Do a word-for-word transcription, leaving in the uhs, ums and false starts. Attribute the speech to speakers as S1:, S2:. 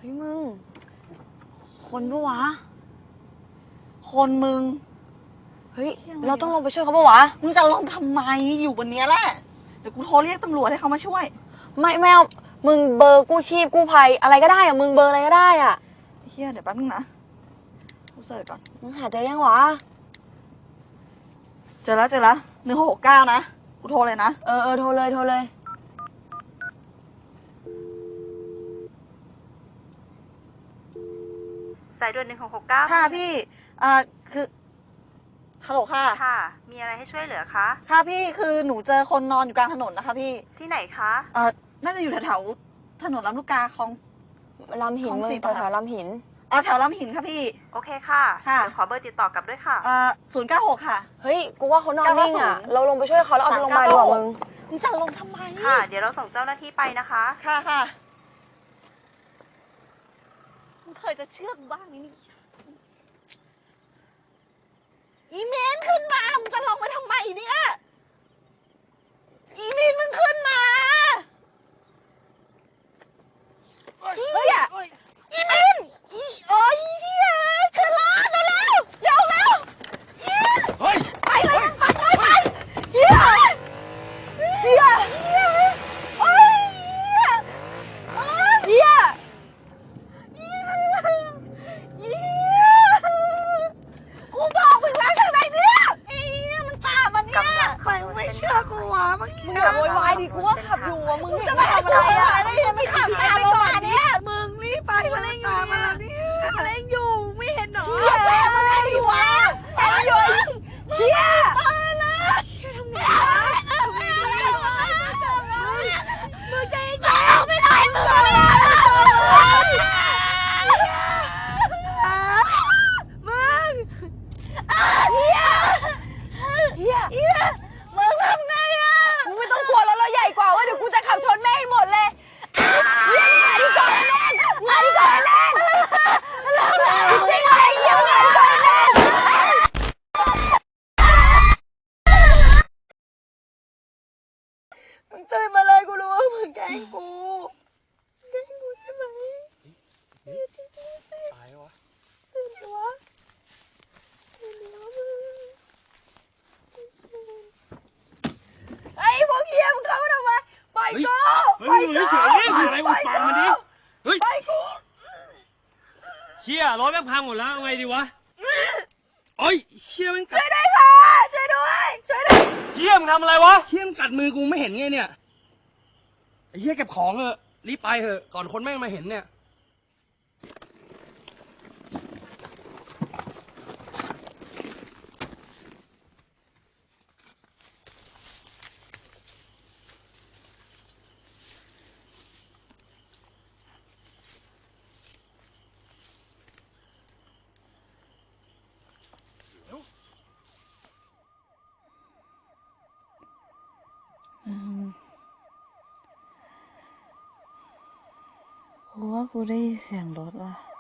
S1: ฮ้ยมึงคนปะวะคนมึงเฮ้ยเราต้องลงไปช่วยเขาปะวะ
S2: มึงจะลงทำไมอยู่บนเนี้ยแหละเดี๋ยวกูโทรเรียกตำรวจให้เขามาช่วย
S1: ไม่ไม่เอามึงเบอร์กู้ชีพกู้ภัยอะไรก็ได้อะมึงเบอร์อะไรก็ได้อะ
S2: เฮียเดี๋ยวแป๊บนึงนะกูเสิร์ชก่อน
S1: มึงหาเจอยังวะ
S2: เจอแล้วเจอแล้วหนึ่งหกหกเก้านะกูโทรเลยนะ
S1: เออเออโทรเลยโทรเลย
S3: สายด่วนหนึ่งหกหกเก้า
S2: ค่ะพี่อ่าคือฮัลโหลค่ะ
S3: ค่ะมีอะไรให้ช่วยเหลือคะ
S2: ค่ะพี่คือหนูเจอคนนอนอยู่กลางถนนนะคะพี่
S3: ที่ไหนคะ
S2: เอ่อน่าจะอยู่แถวๆถนนลำลูกกาของ
S1: ลำหินมึงแถวๆลำหิน
S2: อ๋อแถวลำหินค่ะพี่
S3: โอเคค่ะ
S2: ค่ะ
S3: ขอเบอร์ติดต่อกลับด้วยค่ะ
S2: อ่าศูนย์เก้าหกค่ะ
S1: เฮ้ยกูว่าเขานอนนิ่งอ่ะเราลงไปช่วยเขาแล้วเอาไปโรงพยาบาลดีกว่ามึง
S2: มึงจะลงทำไม
S3: ค่ะเดี๋ยวเราส่งเจ้าหน้าที่ไปนะคะ
S2: ค่ะค่ะมึงเคยจะเชื่อกูบ้างไหมนี่อีเมนขึ้นมามึงจะลงไปทำไมเนี่ยอีเมนมึงขึ้นมาเฮียอีเมนอีโอ้ยเฮียขึ้นรถเร็วเร็วเร็วเร็วเฮียไปเลยไปเลยไปเฮียเฮียเฮียโอ้ยเฮียเฮียเฮียกูบอกมึงแล้วใช่ไหมเนี่ยเฮียมันตามมันเนี่ยมันไม่เชื่อกูวะเมื่อกี้
S1: มึงอย่าโวยวายดิกูว่าขับอยู่อ่ะมึง
S2: จะมาทำอะไรอ่ะได้ยังไม่ขับตามเรามาเนี่ยมึงรีบไปเลยตามมาเนี่ยอะไรอยู่ไม่เห็นหรอตามมาเลยดิวะตามอยู่เชี่ยเออนะเชี่ยทำไงทำไงดีมึงจะยิงกูไม่ได้มึงอะไรมึงเฮียเฮียเฮียมึงทำไงอ่ะ
S1: มึงไม่ต้องกลัวแล้วเราใหญ่กว่าว่าเดี๋ยวกูจะขับชนแม่ให้หมดเลยเฮียมาดิก่อนแน่นมาดิก่อนแน่นจริงเลยเฮียมาดิก่อนแน่นมึงตื่นมาเลยกูรู้ว่ามึงแกล้งกูแกล้งกูใช่ไหม
S4: ตายวะ
S1: ตื่นดิวะตื่นดิวะมึงไอ้พวกเฮียมึงเข้ามาทำไมปล่อยกู
S4: เฮ้ยมึงเฉยๆนี่อะไรกูฟังมันดิเฮ้ย
S1: ปล่อยกู
S4: เชี่ยรถแม่งพังหมดแล้วเอาไงดีวะโอ้ยเชี่ยมันกัด
S1: ช่วยด้วยค่ะช่วยด้วยช่วยด้วย
S4: เฮียมึงทำอะไรวะเฮียมันกัดมือกูไม่เห็นไงเนี่ยไอ้เฮียเก็บของเถอะรีบไปเถอะก่อนคนแม่งมาเห็นเนี่ย
S2: กูว่ากูได้ยินเสียงรถว่ะ